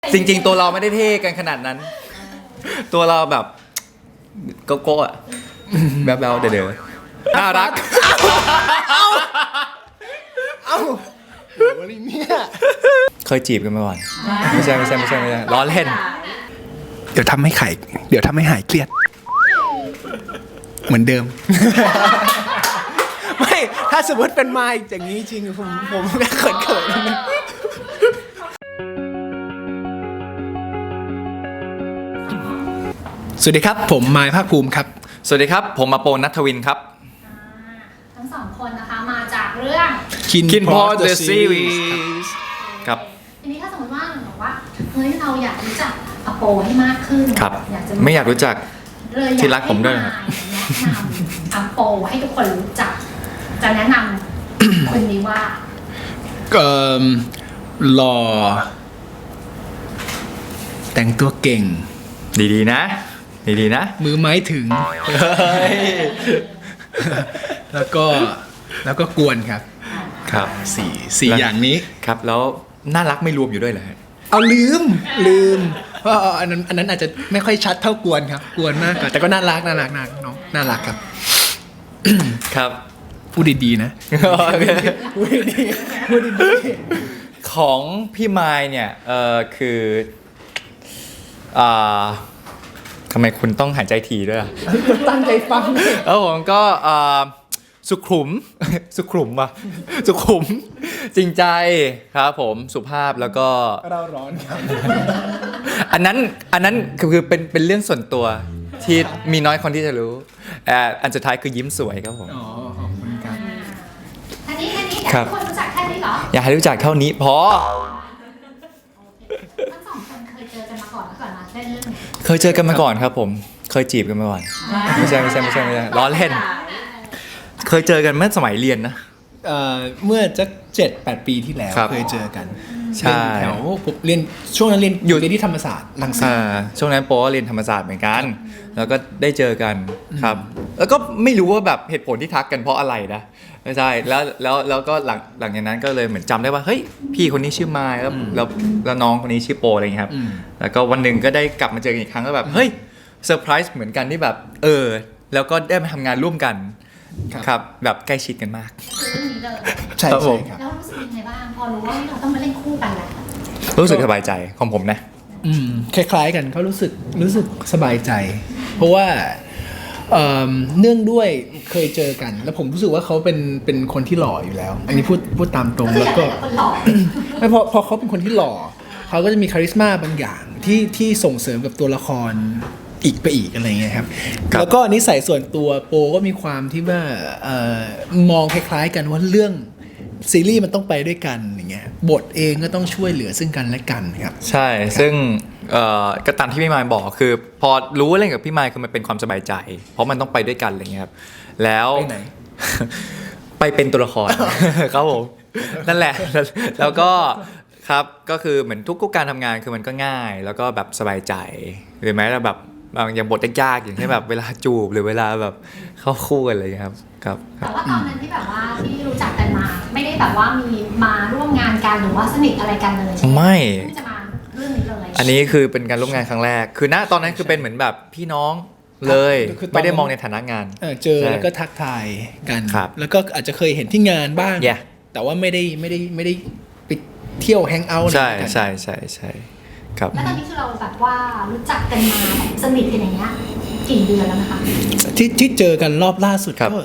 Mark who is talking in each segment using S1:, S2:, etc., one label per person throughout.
S1: จริงๆตัวเราไม่ได้เท่กันขนาดนั้น ตัวเราแบบโกโก้อะแบ๊วๆเดี๋ยวๆน่ารัก
S2: เอ้าวันนี้เนี่ย
S1: เคยจีบกันมาก่อนไม่ใช่ล้อเล่น
S2: เดี๋ยวทำให้หายเครียดเหมือนเดิม ไม่ถ้าสมมติเป็นมาอีกอย่างนี้จริงผมก็เขินๆนะสวัสดีครับผมมายภาคภูมิครับ
S1: สวัสดีครับผมมาโปณัฐวินครับ
S3: ทั้งสองคนนะคะมาจากเรื่อง
S1: Kin Paw The Series ครับ
S3: ทีนี้ถ้าสมมติว่าบอกว่าเฮ้ยเราอยากรู้จักอโปให้มากขึ้น
S1: ครับไม่อยากรู้จักที่รักผมด้วย
S3: แนะนำอโปให้ทุกคนรู้จักจะแนะนำคนนี้ว่า
S2: หล่อแต่งตัวเก่ง
S1: ดีๆนะ
S2: มือไม้ถึงแล้วก็กวนครับสี่อย่างนี้
S1: ครับแล้วน่ารักไม่รวมอยู่ด้วยเหรอ
S2: เอาลืมเพราะอันนั้นอาจจะไม่ค่อยชัดเท่ากวนครับกวนมากแต่ก็น่ารักน้องน่ารักครับ
S1: ครับ
S2: พูดดีๆนะพูดดี
S1: ของพี่ไมค์เนี่ยคือทำไมคุณต้องหายใจทีด้วยอ่ะ
S2: ตั้งใจฟัง
S1: ผมก็สุขุมจริงใจครับผมสุภาพแล้วก็
S2: เราร้อนครับ
S1: อันนั้นคือเป็นเรื่องส่วนตัวที่มีน้อยคนที่จะรู้อันสุดท้ายคือยิ้มสวยครับผม
S2: อ๋อขอบคุณครับ
S3: แค่นี้อยากให้คนรู้จักแค่นี้เหรอ
S1: อยากให้รู้จักเท่านี้พอ
S3: ทั้งสองคนเคยเจอกันมาก่อนมาเล่นเรื่อง
S1: เคยเจอกันมาก่อนครับผมเคยจีบกันมาก่อนไม่ใช่ล้อเล่นเคยเจอกันเมื่อสมัยเรียนนะ
S2: เมื่อจะ7-8 ปีที่แล้วเคยเจอกัน
S1: ใช่
S2: แถวผมเรียนช่วงนั้นเรียนอยู่ที่ธรรมศาสตร์รังสิต
S1: ช่วงนั้นโป๊เรียนธรรมศาสตร์เหมือนกันแล้วก็ได้เจอกันครับแล้วก็ไม่รู้ว่าแบบเหตุผลที่ทักกันเพราะอะไรนะไม่ใช่แล้วก็หลังจากนั้นก็เลยเหมือนจำได้ว่าเฮ้ยพี่คนนี้ชื่อมายแล้วน้องคนนี้ชื่อโปอะไรอย่างเงี้ยครับแล้วก็วันหนึ่งก็ได้กลับมาเจอกันอีกครั้งก็แบบเฮ้ยเซอร์ไพรส์เหมือนกันที่แบบแล้วก็ได้มาทำงานร่วมกันครับแบบใกล้ชิดกันมาก
S3: เรื่องนี้เลย
S2: ใช่ครับ
S3: แล้วรู้สึกยังไงบ้างพอรู้ว่าเราต้องมาเล่นคู่กันแล้ว
S1: รู้สึกสบายใจของผมนะ
S2: คล้ายๆกันเขารู้สึกสบายใจเพราะว่าเนื่องด้วยเคยเจอกันแล้วผมรู้สึกว่าเขาเป็นคนที่หล่ออยู่แล้วอันนี้พูดตามตรงแล้วก็ไม่พอเขาเป็นคนที่หล่อเขาก็จะมีคาริสมาบางอย่างที่ส่งเสริมกับตัวละครอีกไปอีกอะไรเงี้ยครับแล้วก็นิสัยส่วนตัวโปก็มีความที่ว่ามองคล้ายๆกันว่าเรื่องซีรีส์มันต้องไปด้วยกันอย่างเงี้ยบทเองก็ต้องช่วยเหลือซึ่งกันและกันครับ
S1: ใช่ซึ่งก็ตามที่พี่มายบอกคือพอรู้ว่าเล่นกับพี่มายคือมันเป็นความสบายใจเพราะมันต้องไปด้วยกันอะไรเงี้ยครับแล้ว
S2: ไปไหน
S1: ไปเป็นตัวละคร ครับผมนั่นแหละแล้วก็ครับก็คือเหมือนทุกการทำงานคือมันก็ง่ายแล้วก็แบบสบายใจหรือแม้แต่แบบบางอย่างบทยากๆอย่างเช่นแบบเวลาจูบหรือเวลาแบบเข้าคู่กันอะไรอย่างเงี้ยครับ
S3: แต่ว่าตอนนั้นที่แบบว่าที่รู้จักกันมาไม่ได้แบบว่ามีมาร่วมงานกันหรือว่าสนิทอะไรกันเลยใช่ไหม
S1: ไม่
S3: จะมาเรื่องนี้เลย
S1: อันนี้คือเป็นการร่วมงานครั้งแรกคือณตอนนั้นคือเป็นเหมือนแบบพี่น้องเลยไม่ได้มองในฐานะงาน
S2: เจอแล้วก็ทักทายกันแล้วก็อาจจะเคยเห็นที่งานบ้างแต่ว่าไม่ได้ไปเที่ยวแฮงเอาท์อะไร
S1: กันใช่ครับ
S3: แล้วตอนนี้คือเราแบบว่ารู้จักกันมาแบบสนิทกันอย่างเงี้ยกี่เดือนแล้วนะคะ
S2: ที่เจอกันรอบล่าสุดก็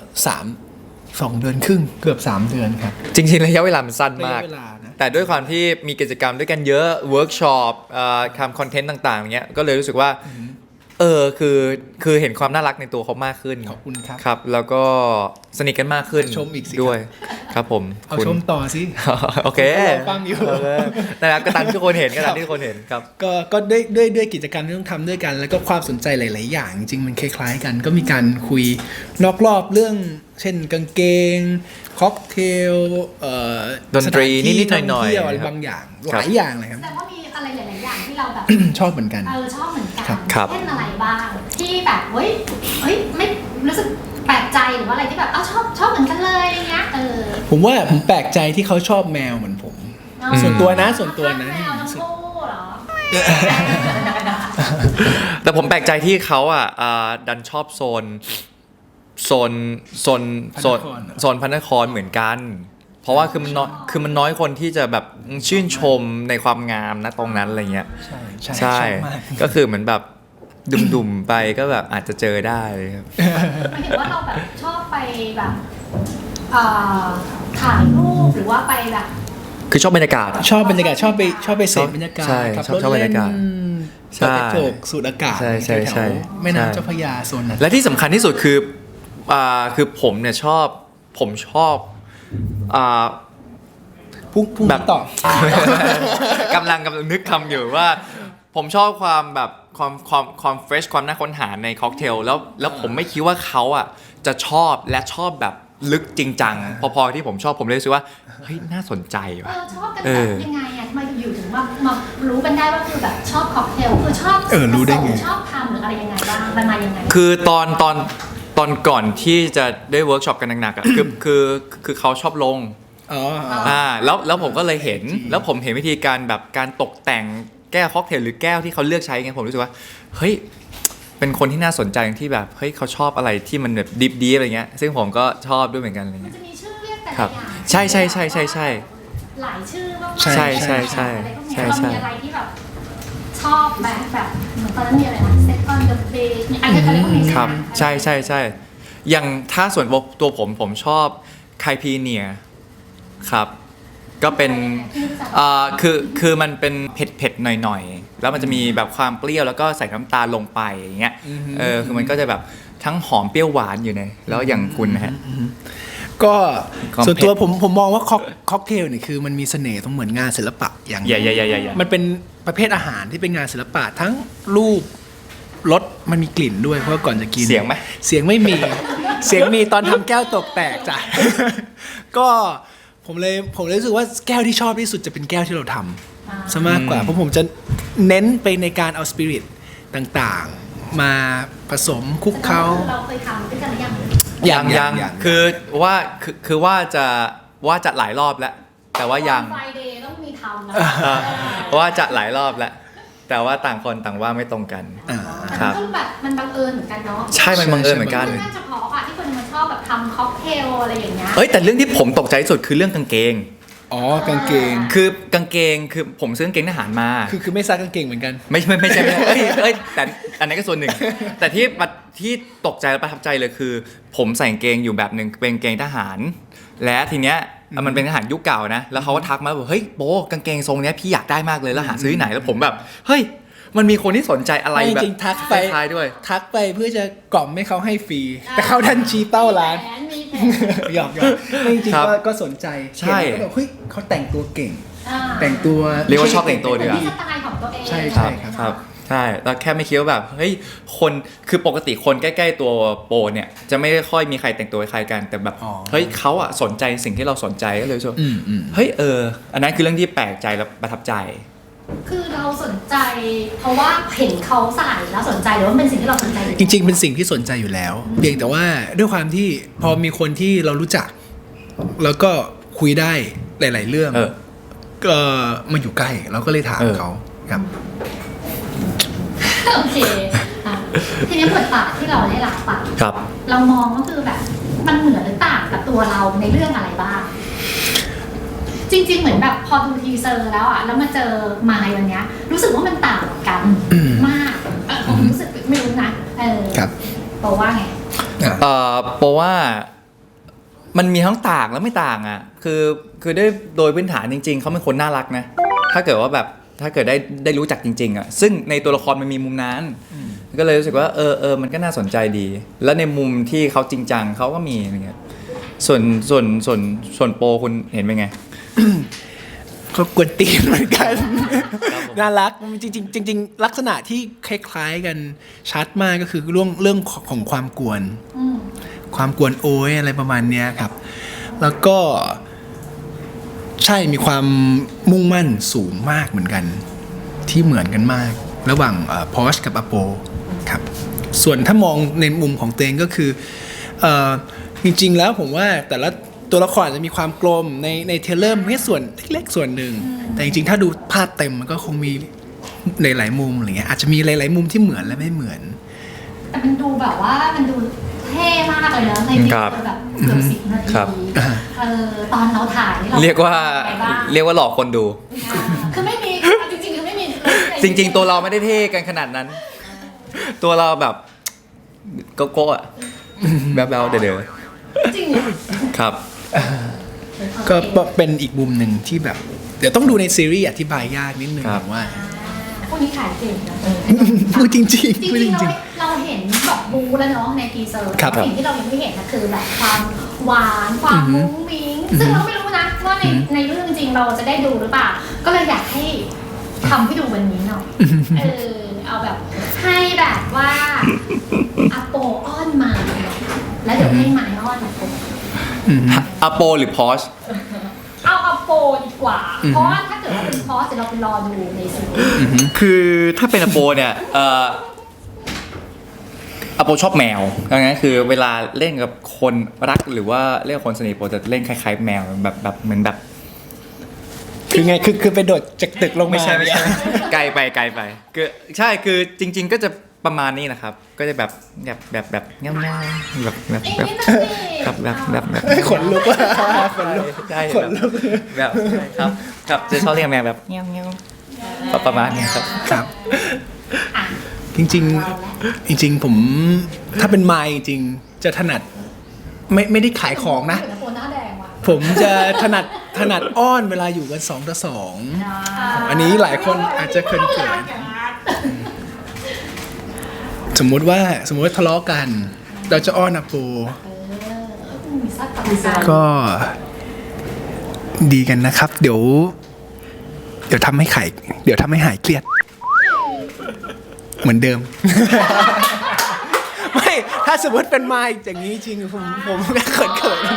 S2: 2 เดือนครึ่งเกือบ3 เดือนครับ
S1: จริงๆระยะเวลามันสั้นมากแต่ด้วยความที่มีกิจกรรมด้วยกันเยอะเวิร์กช็อปทำคอนเทนต์ต่างๆอย่างเงี้ยก็เลยรู้สึกว่าคือเห็นความน่ารักในตัวเขามากขึ้น
S2: ขอบคุณครับ
S1: ครับแล้วก็สนิทกันมากขึ้น
S2: ชมอีกสิ
S1: ด้วยครับผม
S2: เอาชมต่อสิ
S1: โอเค
S2: ฟังอยู่
S1: นะครับก็ตามที่ทุกคนเห็นครับ
S2: ก็ด้วยกิจกรรมที่ต้องทำด้วยกันแล้วก็ความสนใจหลายๆอย่างจริงมันคล้ายๆกันก็มีการคุยนอกรอบเรื่องเช่นกางเกงค็อกเทล
S1: ดนตรีนิดๆหน่อย
S2: ๆอะไรบางอย่างหลายอย่างเลยครับ
S3: แต่ว่ามีอะไรหลายๆอย่างที่เราแบบ
S2: ชอบเหมือนกัน
S3: ชอบเหมือนกันเช่นอะไรบ้างที่แบบเฮ้ยไม่รู้สึกแปลกใจหรือว่าอะไรที่แบบชอบเหมือนกันเลยอะไรเงี้ย
S2: ผมว่าผมแปลกใจที่เขาชอบแมวเหมือนผมส่วนตัวนะ
S3: แมวทั้งคู่เหรอ
S1: แต่ผมแปลกใจที่เขาดันชอบโซนโซนพระนครเหมือนกัน เพราะว่าคือมันน้อยคนที่จะแบบชื่นชมในความงามนะตรงนั้นอะไรเงี้ย
S2: ใช่ชอบมาก
S1: ก็คือเหมือนแบบดุ่มๆไปก็แบบอาจจะเจอได้ครับ
S3: หมายถึงว่าเราแบบชอบไปแบบถ่ายรูปหรือว่าไปแบบ
S1: คือชอบบรรยากาศ
S2: ชอบบรรยากาศชอบไปเสพบรรยากาศ
S1: ใช่
S2: ขั
S1: ชอบบรรยากาศ
S2: เปิดกระจกสูดอากาศ
S1: ใช่ใช่ใช่
S2: แถวๆแม่น้ำเจ้าพระยาโซนนั้น
S1: และที่สำคัญที่สุดคือผมเนี่ยชอบ
S2: พุ่ง
S1: แบบ
S2: ต่อก
S1: ำลังนึกคำอยู่ว่าผมชอบความแบบความเฟรชความน่าค้นหาในค็อกเทลแล้วผมไม่คิดว่าเขาจะชอบและชอบแบบลึกจริงจังพอที่ผมชอบผมเลยรู้สึกว่าเฮ้ยน่าสนใจว่ะ
S3: ชอบกันแบบยังไงทำไมอยู่ถึงมารู้กันได้ว่าคือแบบชอบค็อกเทลคือชอบ
S2: รู้ได้ไง
S3: ชอบทำหรืออะไรยังไงบ้างมันมายังไง
S1: คือตอนก่อนที่จะได้เวิร์กช็อปกันหนักๆคือเขาชอบลง แล้วผมก็เลยเห็นแล้วผมเห็นวิธีการแบบการตกแต่งแก้วค็อกเทลหรือแก้วที่เขาเลือกใช้ไงผมรู้สึกว่าเฮ้ยเป็นคนที่น่าสนใจที่แบบเฮ้ยเขาชอบอะไรที่มันแบบดิฟอะไรเงี้ยซึ่งผมก็ชอบด้วยเหมือนกันอะไร
S3: มัน
S1: เงี้ย
S3: จะมีชื่อเรียกแต่ละ
S1: ครับ
S3: อย่าง
S1: ใช่
S3: หลายชื่อมากๆ
S1: ใช่
S3: อะไรพวกนี้เรามีอะไรที่แบบชอบแบบเหมือนตอนนั้นมีอะไรนะ Set on the Beach อะไรพวกนี้
S1: ครับใช่อย่างถ้าส่วนตัวผมชอบไคพีเนียครับก็เป็นคือมันเป็นเผ็ดหน่อยๆแล้วมันจะมีแบบความเปรี้ยวแล้วก็ใส่น้ำตาลลงไปอย่างเงี้ยคือมันก็จะแบบทั้งหอมเปรี้ยวหวานอยู่ในแล้วอย่างคุณนะฮะ
S2: ก็
S1: ความ
S2: ส่วนตัว
S1: เผ็ด
S2: ผมมองว่าค็อกเทลเนี่ยคือมันมีเสน่ห์ตรงเหมือนงานศิลปะอย่าง
S1: อย่า
S2: มันเป็นประเภทอาหารที่เป็นงานศิลปะทั้งรูปรสมันมีกลิ่นด้วยเพราะว่าก่อนจะกิน
S1: เสียงไหม
S2: เสียงไม่มี เสียงมีตอนทำแก้วตกแตกจ้ะ ก็ผมเลยรู้สึกว่าแก้วที่ชอบที่สุดจะเป็นแก้วที่เราทำซะมากกว่าเพราะผมจะเน้นไปในการเอาสปิริตต่างๆ มาผสมคลุกเคล้า
S3: เราเคยทำด้วยกันหรือยัง
S1: ยังคือว่าจะหลายรอบแล้ว แต่ว่ายัง
S3: ไฟเดย์ต้องมีทำนะ
S1: ว่าจะหลายรอบแล้ว แต่ว่าต่างคนต่างว่าไม่ตรงกัน
S3: แต่
S1: ครั
S3: มัน
S1: บ
S3: ก็แบบมันบังเอิญเหมือนกันเนาะ
S1: ใช่มันบังเอิญเหมือนกัน
S3: ค่อนข้างเฉพาะที่คนมันชอบแบบทำค็อกเทลอะไรอย่างเงี้ย
S1: เอ้ยแต่เรื่องที่ผมตกใจที่สุดคือเรื่องกางเกง
S2: อ๋อกางเกง
S1: คือกางเกงคือผมซื้อกางเกงทหารมา
S2: คือไม่ซักกางเกงเหมือนกัน
S1: ไม่ใช่เอ้ยแต่อันนั้นก็ส่วนหนึ่ง แต่ที่ตกใจและประทับใจเลยคือ ผมใส่กางเกงอยู่แบบหนึ่งเป็นกางเกงทหาร และทีเนี้ยมันเป็นทหารยุคเก่านะแล้วเขาก็ทักมาบอกเฮ้ยโบกางเกงทรงเนี้ยพี่อยากได้มากเลยแล้วหาซื้อที่ไหนแล้วผมแบบเฮ้ยมันมีคนที่สนใจอะไร
S2: ไม่
S1: แบบ
S2: จริงทักไป
S1: คล้ายๆด้วย
S2: ทักไปเพื่อจะกล่อมให้เขาให้ฟรี แต่เขาดันชี้เป้าร้าน
S3: มีแผน
S2: หยอกไม่จริง
S1: ครับ
S2: ก็สนใจ
S1: ใช่
S2: เห็นแล้วก็แบบเฮ้ยเขาแต่งตัวเก่ง
S3: อ่า
S2: แต่งตัว
S1: เรียกว่าชอบแต่งตัว
S3: เป็น
S1: ดีกว่า
S3: ที่สไตล์ของตัวเอง
S2: ใช่
S1: ครับใช่แล้วแค่ไม่คิดว่าแบบเฮ้ยคนคือปกติคนใกล้ๆตัวโปรเนี่ยจะไม่ค่อยมีใครแต่งตัวคล้ายกันแต่แบบเฮ้ยเขาสนใจสิ่งที่เราสนใจก็เลยรู้สึกว่าเฮ้ยอันนั้นคือเรื่องที่แปลกใจและประทับใจ
S3: คือเราสนใจเพราะว่าเห็นเขาใส่แล้วสนใจหรือว่าเป็นสิ่งที่เราสนใจอยู่
S2: จริง ๆ เป็นสิ่งที่สนใจอยู่แล้ว เพียงแต่ว่าด้วยความที่พอมีคนที่เรารู้จัก แล้วก็คุยได้หลาย ๆ เรื่องก็มาอยู่ใกล้เราก็เลยถามเขาครับ
S3: โอเคอ่ะทีนี้บทบาทที่เราได้รับอะ
S1: ครับ
S3: เรามองก็คือแบบมันเหมือนหรือต่างกับตัวเราในเรื่องอะไรบ้าง จริง ๆ เหมือนแบบพอดูทีเซอร์แล้วอะแล้วมาเจอมายวันเนี้ยรู้สึกว่ามันต่างกันมากผมรู้สึกไม่รู้นะ
S2: ครับ
S3: บอกว่าไง
S1: เพราะว่ามันมีทั้งต่างและไม่ต่างอ่ะคือโดยพื้นฐานจริงๆเขาเป็นคนน่ารักนะถ้าเกิดว่าแบบถ้าเกิดได้รู้จักจริงๆอ่ะซึ่งในตัวละครมันมีมุมนั้นก็เลยรู้สึกว่ามันก็น่าสนใจดี แล้วในมุมที่เขาจริงจังเขาก็มีอะไรเงี้ยส่วนโปรคุณเห็นเป็นไง
S2: เขากวนตีนเหมือนกัน น่ารักจริงๆลักษณะที่คล้ายๆกันชัดมากก็คือเรื่องของความกวนความกวนโอยอะไรประมาณเนี้ยครับ แล้วก็ใช่มีความมุ่งมั่นสูงมากเหมือนกันที่เหมือนกันมาก ระหว่างพอชกับอโปครับส่วนถ้ามองในมุมของเตงก็คือจริงๆแล้วผมว่าแต่ละตัวละครอาจจะมีความกลมในเทรลเลอร์แค่ส่วนเล็กๆส่วนหนึ่งแต่จริงๆถ้าดูภาพเต็มมันก็คงมีในหลายมุมอะไรเงี้ยอาจจะมีหลายๆมุมที่เหมือนและไม่เหมือน
S3: แต่มันดูแบบว่ามันดูเท่มากเลยเนอะในที
S1: ครับ
S3: แบบเกือบ10 นาที
S1: ครับ
S3: ตอนเราถ่ายนี่เรา
S1: เรียกว่า
S3: ป็นไงบ้าง
S1: เรียกว่าหลอกคนดู
S3: คือไม่มีจริงๆคือไม่มี
S1: จริง ๆ ตัวเราไม่ได้เท่กันขนาดนั้น ตัวเราแบบโกโก้อะแบบเราเดี๋ยว
S3: จริงเหรอ
S1: ๆครับ
S2: ก็เป็นอีกมุมหนึ่งที่แบบ เดี๋ยวต้องดูในซีรีส์อธิบายยากนิดนึง
S1: ครับ
S2: ผมว่า
S3: พวกนี้ถ่ายเก่งนะ
S2: พูดจริง
S3: จริ
S2: ๆพูดจ
S3: งๆ
S2: ริง
S3: เราเห็นแบบบูแล้วเนาะในทีเซอร์
S2: ครับ
S3: สิ่งที่เรายังไม่เห็นนะคือแบบความหวานความมุ้งมิ้งซึ่งเราไม่รู้นะว่าในเรื่องจริงเราจะได้ดูหรือเปล่าก็เลยอยากให้ทำให้ดูวันนี้หน่อยเอาแบบให้แบบว่าอโปอ้อนมาแล้วเดี๋ยวให้ไม้อ้อนอโป
S1: อโปหรือพอช
S3: เอาอโปดีกว่า เพราะว่าถ้าเกิดว่าเป็นพอสเดี๋ยวเราไปรอดูในซีรีส์
S1: คือถ้าเป็นอโปเนี่ยอโปชอบแมวดังนั้นคือเวลาเล่นกับคนรักหรือว่าเล่นกับคนสนิทโปจะเล่นคล้ายๆแมวแบบเหมือนแบบ
S2: ๆ คือไงคือไปโดดจากตึกลงมา
S1: ไม่ใช่ไกลไปคือใช่คือจริง ๆ ก็จะประมาณนี้นะครับ ก็จะแบบเงี้ยๆแบบ
S2: ขนลุกว่ะขนลุก
S1: ใช่
S2: ขนลุก
S1: แบบครับจะชอบเรียกแมวแบบเงี้ยประมาณนี้ครับ
S2: ครับ
S3: อ่ะ
S2: จริงๆ จริง ๆ ผมถ้าเป็นไมค์จริงๆจะถนัดไม่ได้ขายของนะ
S3: โปหน้าแดงว่ะ
S2: ผมจะถนัดอ้อนเวลาอยู่กัน2 ต่อ 2 อันนี้หลายคนอาจจะเขินๆสมมุติว่าทะเลาะกัน เราจะอ้อนอาปู
S3: มีซักกับมีซัก
S2: ก็ดีกันนะครับ เดี๋ยวทำให้หายเครียด เหมือนเดิม ไม่ถ้าสมมติเป็นไมค์อย่างนี้จริงผมก็เขิน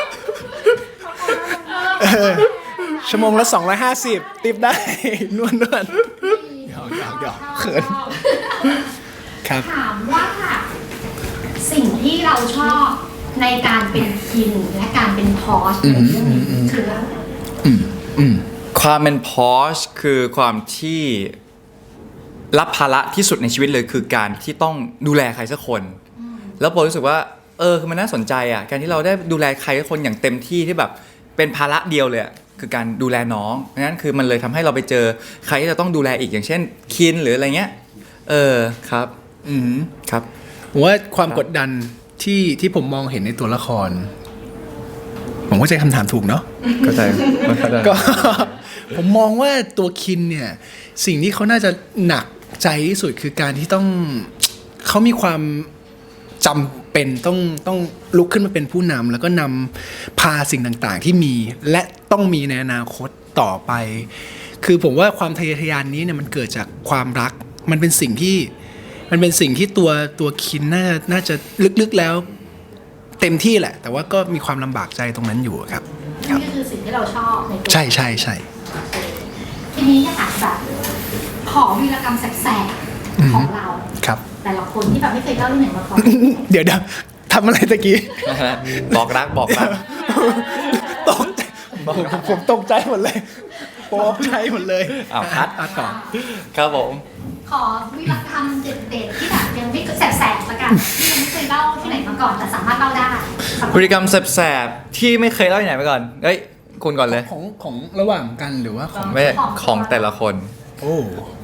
S2: ๆชั่วโมงละ250ติปได้ นวลหยอกเขินครับ
S3: ถามว่าสิ่งที่เราชอบในการเป็นคินและการเป็นพอสในเรื่องนี้คืออะไร
S1: ความเป็นพอชคือความที่รับภาระที่สุดในชีวิตเลยคือการที่ต้องดูแลใครสักคน แล้วโปรู้สึกว่าคือมันน่าสนใจอ่ะการที่เราได้ดูแลใครสักคนอย่างเต็มที่ที่แบบเป็นภาระเดียวเลยคือการดูแลน้องนั้นคือมันเลยทำให้เราไปเจอใครที่จะต้องดูแลอีกอย่างเช่นคินหรืออะไรเงี้ยครับครับ
S2: ผมว่าความกดดันที่ผมมองเห็นในตัวละคร ผมเข้าใจคำถามถูกเนาะ
S1: เข้าใจ
S2: ก็ ผมมองว่าตัวคินเนี่ยสิ่งที่เขาน่าจะหนักใจที่สุดคือการที่เขามีความจำเป็นต้องลุกขึ้นมาเป็นผู้นำแล้วก็นำพาสิ่งต่างๆที่มีและต้องมีในอนาคตต่อไป คือผมว่าความทะเยอทะยานนี้เนี่ยมันเกิดจากความรักมันเป็นสิ่งที่ตัวคินน่าจะลึกๆแล้วเต็มที่แหละ แต่ว่าก็มีความลำบากใจตรงนั้นอยู่ครับ
S3: นี่ก็คือสิ่งที่เราชอบในตัว
S2: ใช่
S3: ทีนี้อยากแบบขอวีรกรรมแสบๆของเรา
S2: ครับ
S3: แต่ละคนที่แบบไม่เคยเล่าที่ไหนมาก่อน
S2: เดี๋ยวทำอะไรตะกี้
S1: บอกรัก
S2: ตกใจผมตกใจหมดเลยตกใจหมดเลย
S1: อ้าวคัด
S2: ต่อ
S1: ครับผม
S3: ขอวีรกรรมเด็ดๆที่แบบยังไม่แสบๆละกันที่ยังไม่เคยเล่าที่ไหนมาก่อนแต่สามารถเล่าได้
S1: พฤติกรรมแสบๆที่ไม่เคยเล่าที่ไหนมาก่อนคุณก่อนเลย
S2: ของระหว่างกันหรือว่าของ
S1: ไม่ของแต่ละคน
S2: โอ้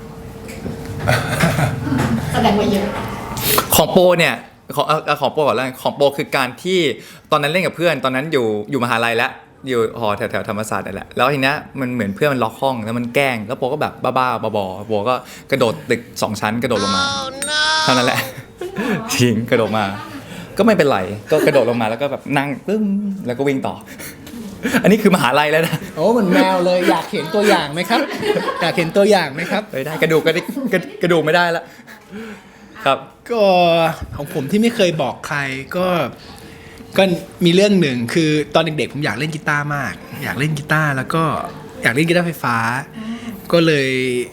S3: แสดงว่าเยอะ
S1: ของโปเนี่ยของโปก่อนแล้วของโปคือการที่ตอนนั้นเล่นกับเพื่อนตอนนั้นอยู่มหาลัยแล้วอยู่หอแถวธรรมศาสตร์นั่นแหละแล้วทีเนี้ยมันเหมือนเพื่อนมันล็อกห้องแล้วมันแกล้งแล้วโปก็แบบบ้าๆบอๆโปก็กระโดดตึก2 ชั้นกระโดดลงมาเท่านั้นแหละจริงกระโดดมาก็ไม่เป็นไรก็กระโดดลงมาแล้วก็แบบนั่งปึ้มแล้วก็วิ่งต่อ อันนี้คือมหาลัยแล้วนะ
S2: โอ้เหมือนแมวเลยอยากเห็นตัวอย่างไหมครับ อยากเห็นตัวอย่างไหมครับ
S1: ได้กระดูกไม่ได้แล้วครับ
S2: ก็ของผมที่ไม่เคยบอกใครก็มีเรื่องหนึ่งคือตอนเด็กๆผมอยากเล่นกีตาร์มาก อยากเล่นกีตาร์แล้วก็อยากเล่นกีตาร์ไฟฟ้า ก็เลย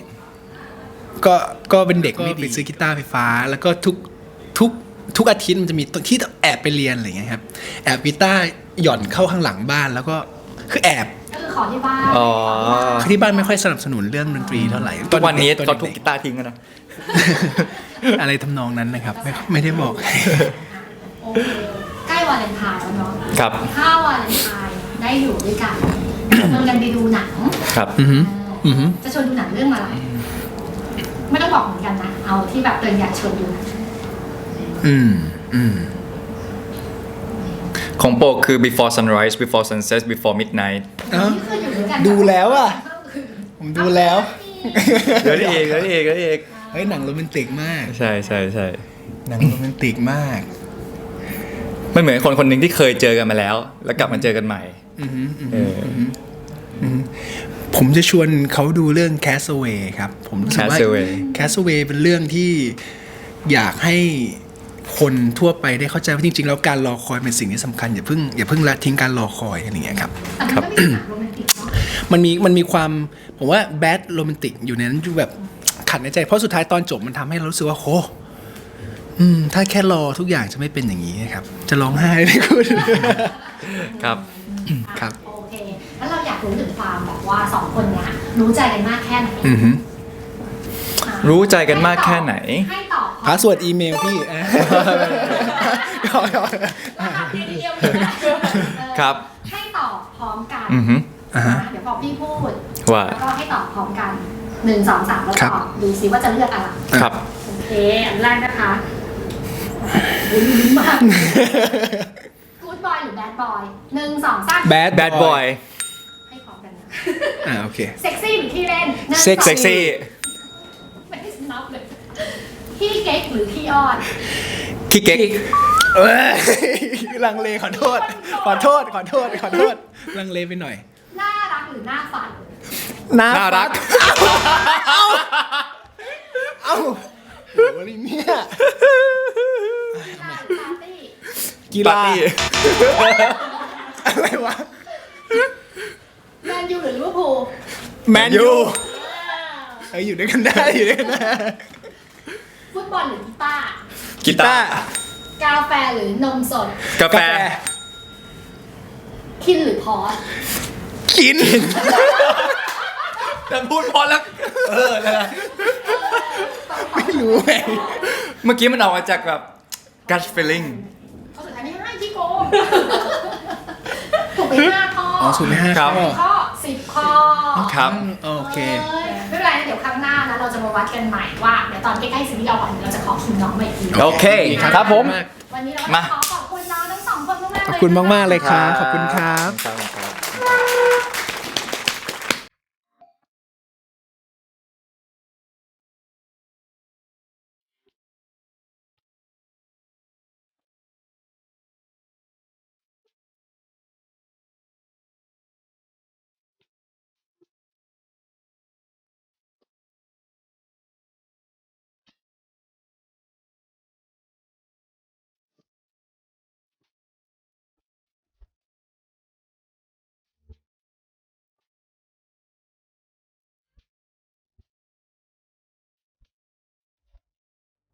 S2: ก็เป็นเด็กไม่ดีซื้อกีตาร์ไฟฟ้า แล้วก็ทุกอาทิตย์มันจะมีที่แอบไปเรียนอะไรอย่างเงี้ยครับแอบกีตาร์หย่อนเข้าข้างหลังบ้านแล้วก็คือแอบ
S3: คือขอที่บ้าน
S1: อ๋อ
S2: ที่บ้านไม่ค่อยสนับสนุนเรื่องดนตรีเท่าไหร่
S1: ทุกวันนี้
S2: ตอ
S1: เขาทุบ
S2: ด็
S1: กีตาร์ทิ้งกันนะ
S2: ๆอะไรทำนองนั้นนะครับ ไม่ได้บอก
S3: โอเคใกล้วาเลนไทน์แล้วเนาะ
S1: ครับ
S3: ถ้าวาเลนไทน์ได้อยู่ด้วยกันชวนกันไปดูหนัง
S1: ครับ
S2: อือหืออือหือ
S3: จะชวนดูหนังเรื่องอะไร ไม่ต้องบอกเหมือนกันนะ เอาที่แบบตัวเองอยากชวนดูหนัง
S2: อืมอืม
S1: ของโปรคือ before sunrise before sunset before midnight
S3: นี่คืออยู่ด้วยกัน
S2: ดูแล้วอะ ผมดูแล้ว
S1: เดี๋ยวนี้เองเดี๋ยวนี้เองเดี๋ยวนี้เอง
S2: เฮ้ยหนังโรแมนติกมาก
S1: ใช่ใช่ใช่
S2: หนังโรแมนติกมาก
S1: มันเหมือนคนคนหนึ่งที่เคยเจอกันมาแล้ว แล้วกลับมาเจอกันใหม่
S2: อือหืออือ
S1: เอ
S2: หือ
S1: อ
S2: ผมจะชวนเขาดูเรื่อง Castaway ครับ ผมรู้สึกว่า
S1: Castaway
S2: Castaway เป็นเรื่องที่อยากให้คนทั่วไปได้เข้าใจว่าจริงๆ แล้วการรอคอยเป็นสิ่งที่สำคัญอย่าเพิ่งละทิ้งการรอคอยอะไรอย่างเงี้ยครับ
S3: แต่มันก็มีหนังโรแมนติกเนาะ
S2: มันมีความผมว่าแบดโรแมนติกอยู่ในนั้นอยู่แบบขัดในใจ เพราะสุดท้ายตอนจบมันทำให้เรารู้สึกว่าโหถ้าแค่รอทุกอย่างจะไม่เป็นอย่างนี้ครับ จะร้องไห้เลยคุณ
S1: ครับ
S2: ครับ
S3: โอเค แล้วเราอยากรู้ถึงความแบบว่าสองคนเนี้ยรู้ใจกันมากแค่ไหน
S2: อือหือ
S1: รู้ใจกันมากแค่ไหน
S3: ให้ตอบ
S2: พาสเวิร์ดอีเมลพี่
S1: ครับ
S3: ให้ตอบพร้อมกัน
S1: อือฮึ
S2: อ่าฮะ
S3: เดี๋ยวพอพี่พูด
S1: ว่า
S3: แล้วก็ให้ตอบพร้อมกัน1 2 3แล้ว
S2: ครับ
S3: ตอบดูซิว่าจะเลือกอะไร
S1: ครับ
S3: โอเค อันแรกนะคะลุ้นมาก Good boy หรือ bad boy 1 2 3
S2: Bad
S1: bad boy
S3: ให้พร้อมกันนะ
S2: โอเค
S3: เซ็กซี่หรือขี้เล่น1
S2: Sexy
S3: 2
S1: เซ็กซี่
S3: ไม่ได้นับเลยขี้เก๊กหรือขี้อ้อน
S1: ขี้เก๊ก
S2: เอ้ยลังเลขอโทษลังเลไปหน่อย
S3: น่ารักหรือน่าฝัน
S1: น่ารัก
S2: เอ้าโหอะไรเนี่ย
S3: กีฬาหรือปาร์ตี้
S2: กี
S1: ปา
S2: ฬา
S1: ร์ตี้
S2: อะไรวะ
S3: แมนยูหรือลิเวอร์พูล
S2: แมนยูอยู่ด้วยกันได้
S3: ฟุตบอลหรือกีตาร์
S1: กีตาร์
S3: กาแฟหรือนมสด
S1: กาแฟ
S3: คินหรือพอส
S2: กิน
S1: แต่พูดพอแล้ว
S2: ไม่รู้ไง
S1: เมื่อกี้มันออกมาจากแบบ gut feeling
S3: ข้อสุดท้ายไม่ให้ที่โกงถูกไป5 ข้อ
S2: อ๋อสูตรไม่ห้า
S1: ครับ
S2: ข้อ
S3: ข้อ10 ข้อ
S1: ครับ
S2: โอเค
S3: ไม่เป็นไรนะเดี๋ยวครั้งหน้านะเราจะมาวัดกันใหม่ว่าเดี๋ยวตอนใกล้ๆซีรีส์เราก่อนเราจะขอคิวน้องมาอีกที
S1: โอเค ครับผม
S3: วันนี้เรา
S1: มา
S3: ขอขอบคุณน้องทั้งสองคนมากๆเลย
S2: ขอบคุณมากๆเลยครับ ขอบคุณครับ
S1: ครับ